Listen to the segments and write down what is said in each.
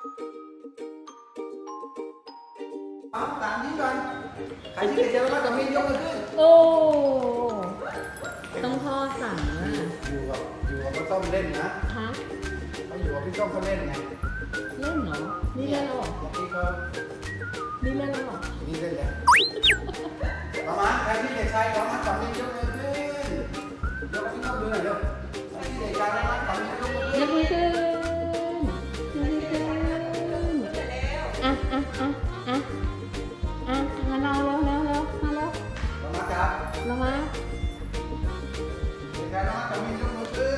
เอาตามนี้ก่อนใครที่เจอว่าจะมียกมือขึ้นโอ้ต้องพ่อสั่งนะอยู่กับพี่ส้มเล่นนะฮะเขาอยู่กับพี่ส้มเขาเล่นไงเล่นเหรอนี่เล่นแล้วเหรอเมื่อกี้เขานี่เล่นแล้วเหรอนี่เล่นแล้วประมาณใครที่เด็กชายประมาณจับมียกมือขึ้นยกพี่ส้มดูหน่อยเร็วใครที่เด็กชายประมาณจับมียกมือขึ้นยกมือขึ้นยกมือขึ้นอ่ะมาเราเร็วมาเร็วประมาณจับเรามาเด็กชายประมาณจับมียกมือขึ้น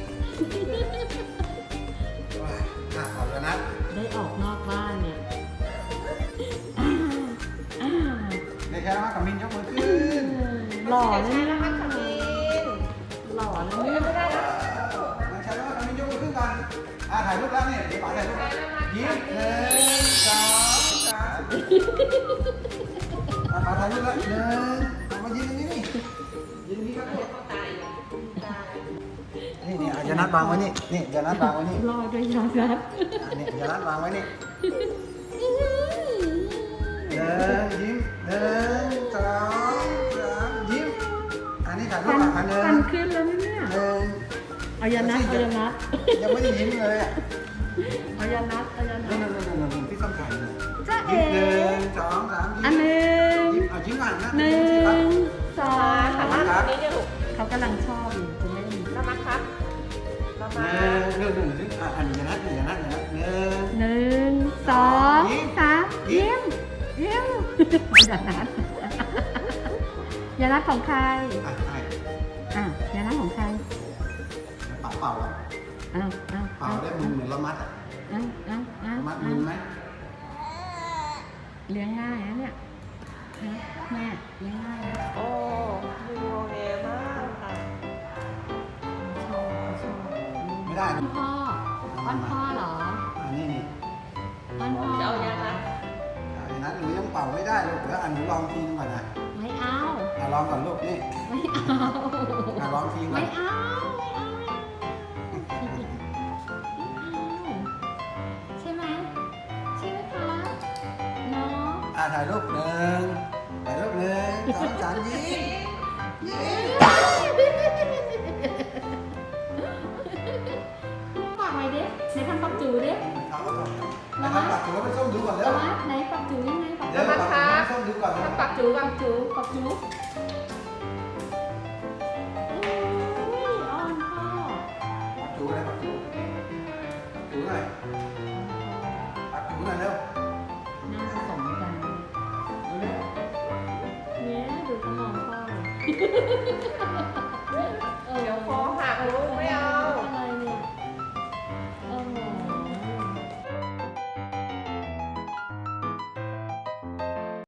ขอบคุณนะได้ออกนอกบ้านเนี่ยอ่าเด็กชายประมาณจับมียกมือขึ้นหล่อเลยเนี่ยหล่อเลยเนี่ยเด็กชายประมาณจับมียกมือขึ้นก่อนถ่ายรูปแล้วเนี่ยเดี๋ยวป๋าถ่ายรูปยิ้ม1 2 3ป๋าถ่ายรูปแล้วมายืนตรงนี้นี่ยืนตรงนี้ครับนี่อย่านัดวางไว้นี่อย่านัดวางไว้นี่รอด้วยยอดรัดนี่อย่านัดวางไว้นี่ยิ้ม1 2 3ยิ้มอันนี้ถ่ายรูปหลักพันฟันขึ้นแล้วเนี่ยเอายานัดยังไม่ได้ยิ้มเลยอ่ะเอายานัดนั่นที่ต้องถ่ายเลยจ้าเอ๋ยิ้ม1 2 3ยิ้มอันหนึ่งยิ้มยิ้มก่อนนะหนึ่งสองครับครับเขากำลังชอบอยู่จะเล่นเรามาครับเรามา 1 อันนี้อย่านัด1 หนึ่งสองสามยิ้มยานัดยานัดของใคร ยานัดของใครเป่าเป่าได้มือเหมือนละมัดมัดมือไหมเลี้ยงง่ายนะเนี่ยแม่เลี้ยงง่ายนะโอ้ดูโอเคมากค่ะชอบไม่ได้พ่ออ้อนพ่อเหรอนี่อ้อนพ่อจะเอายังไงนัดหนูยังเป่าไม่ได้ลูกเดี๋ยวหนูลองทีนึงก่อนนะไม่เอาลองก่อนลูกนี่ไม่เอาลองทีก่อไม่นเอาใช่ไหมคะน้องถ่ายรูป1 2 3ยิ้มฝากไว้ดิไหนทำปักจูดิทำปากถือว่าเป็นส้มดูก่อนเร็วไหนปักจูยังไงปักเดี๋ยวปากถือว่าส้มดูก่อนถ้าปักจูปักจูปักจูอ้อนพ่อปากจูอะไรปากจูหน่อยปากจูหน่อยเร็วน่าสมกันเนี่ยดูเขามองพ่อเลย